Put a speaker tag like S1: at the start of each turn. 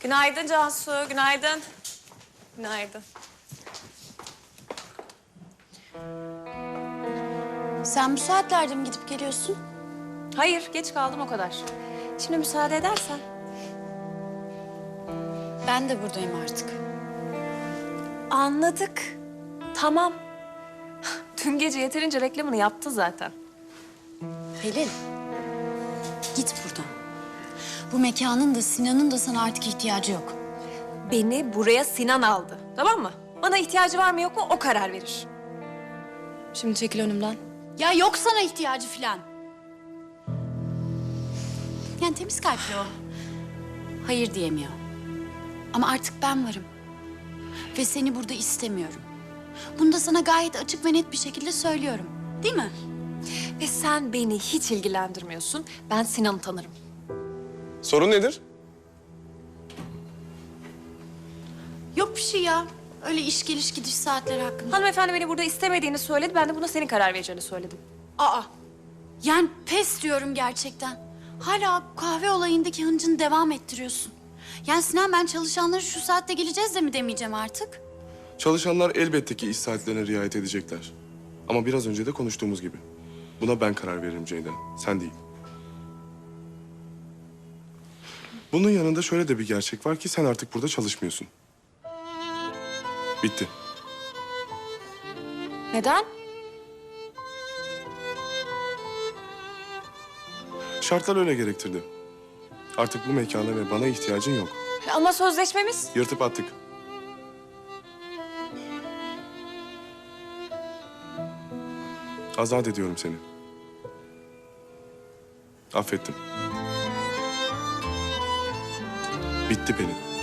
S1: Günaydın Cansu, günaydın. Günaydın.
S2: Sen bu saatlerde mi gidip geliyorsun?
S1: Hayır, geç kaldım o kadar. Şimdi müsaade edersen.
S2: Ben de buradayım artık.
S1: Anladık. Tamam. Dün gece yeterince reklamını yaptı zaten.
S2: Pelin, git buradan. Bu mekanın da Sinan'ın da sana artık ihtiyacı yok.
S1: Beni buraya Sinan aldı, tamam mı? Bana ihtiyacı var mı yok mu o karar verir. Şimdi çekil önümden.
S2: Ya yok sana ihtiyacı filan. Yani temiz kalpli o. Hayır diyemiyor. Ama artık ben varım. Ve seni burada istemiyorum. Bunu da sana gayet açık ve net bir şekilde söylüyorum. Değil mi?
S1: Ve sen beni hiç ilgilendirmiyorsun. Ben Sinan'ı tanırım.
S3: Sorun nedir?
S2: Yok bir şey ya. Öyle iş geliş gidiş saatleri hakkında.
S1: Hanımefendi beni burada istemediğini söyledi. Ben de buna senin karar vereceğini söyledim.
S2: Aa. Yani pes diyorum gerçekten. Hala kahve olayındaki hıncını devam ettiriyorsun. Yani Sinan ben çalışanları şu saatte geleceğiz de mi demeyeceğim artık?
S3: Çalışanlar elbette ki iş saatlerine riayet edecekler. Ama biraz önce de konuştuğumuz gibi. Buna ben karar veririm Ceyda, sen değil. Bunun yanında şöyle de bir gerçek var ki sen artık burada çalışmıyorsun. Bitti.
S1: Neden?
S3: Şartlar öyle gerektirdi. Artık bu mekana ve bana ihtiyacın yok.
S1: Ama sözleşmemiz...
S3: Yırtıp attık. Azat ediyorum seni. Affettim. Bitti Pelin.